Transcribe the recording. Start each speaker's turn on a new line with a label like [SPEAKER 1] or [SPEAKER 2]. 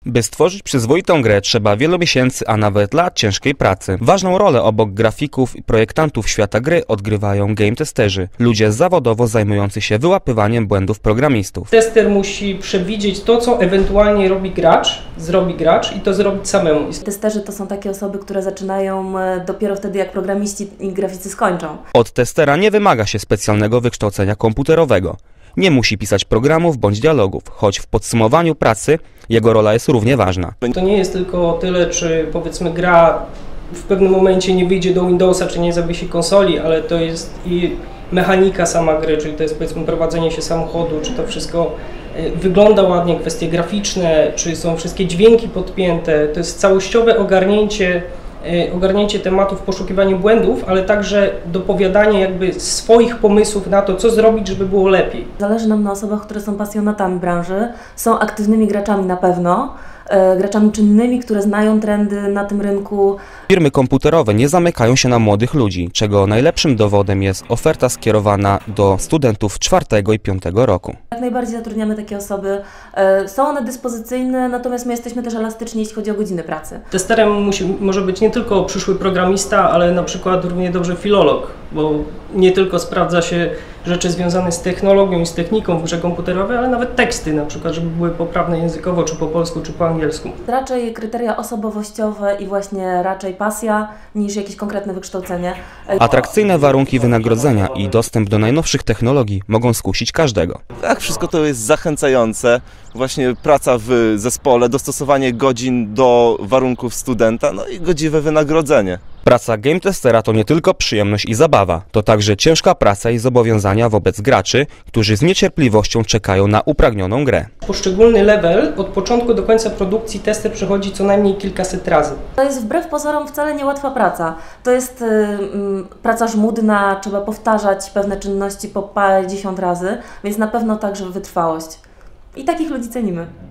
[SPEAKER 1] By stworzyć przyzwoitą grę trzeba wielu miesięcy, a nawet lat ciężkiej pracy. Ważną rolę obok grafików i projektantów świata gry odgrywają game testerzy, ludzie zawodowo zajmujący się wyłapywaniem błędów programistów.
[SPEAKER 2] Tester musi przewidzieć to, co ewentualnie zrobi gracz i to zrobić samemu.
[SPEAKER 3] Testerzy to są takie osoby, które zaczynają dopiero wtedy, jak programiści i graficy skończą.
[SPEAKER 1] Od testera nie wymaga się specjalnego wykształcenia komputerowego. Nie musi pisać programów bądź dialogów, choć w podsumowaniu pracy jego rola jest równie ważna.
[SPEAKER 2] To nie jest tylko tyle, czy powiedzmy gra w pewnym momencie nie wyjdzie do Windowsa, czy nie zawiesi konsoli, ale to jest i mechanika sama gry, czyli to jest powiedzmy prowadzenie się samochodu, czy to wszystko wygląda ładnie, kwestie graficzne, czy są wszystkie dźwięki podpięte. To jest całościowe ogarnięcie tematów w poszukiwaniu błędów, ale także dopowiadanie jakby swoich pomysłów na to, co zrobić, żeby było lepiej.
[SPEAKER 3] Zależy nam na osobach, które są pasjonatami branży, są aktywnymi graczami na pewno, graczami czynnymi, które znają trendy na tym rynku.
[SPEAKER 1] Firmy komputerowe nie zamykają się na młodych ludzi, czego najlepszym dowodem jest oferta skierowana do studentów 4. i 5. roku.
[SPEAKER 3] Jak najbardziej zatrudniamy takie osoby. Są one dyspozycyjne, natomiast my jesteśmy też elastyczni, jeśli chodzi o godziny pracy.
[SPEAKER 2] Testerem może być nie tylko przyszły programista, ale na przykład równie dobrze filolog, bo nie tylko sprawdza się rzeczy związane z technologią i z techniką w grze komputerowej, ale nawet teksty na przykład, żeby były poprawne językowo, czy po polsku, czy po angielsku.
[SPEAKER 3] Raczej kryteria osobowościowe i właśnie raczej pasja niż jakieś konkretne wykształcenie.
[SPEAKER 1] Atrakcyjne warunki wynagrodzenia i dostęp do najnowszych technologii mogą skusić każdego.
[SPEAKER 4] Tak, wszystko to jest zachęcające. Właśnie praca w zespole, dostosowanie godzin do warunków studenta, no i godziwe wynagrodzenie.
[SPEAKER 1] Praca game testera to nie tylko przyjemność i zabawa, to także ciężka praca i zobowiązania wobec graczy, którzy z niecierpliwością czekają na upragnioną grę.
[SPEAKER 2] Poszczególny level od początku do końca produkcji tester przechodzi co najmniej kilkaset razy.
[SPEAKER 3] To jest wbrew pozorom wcale niełatwa praca. To jest praca żmudna, trzeba powtarzać pewne czynności po parędziesiąt razy, więc na pewno także wytrwałość. I takich ludzi cenimy.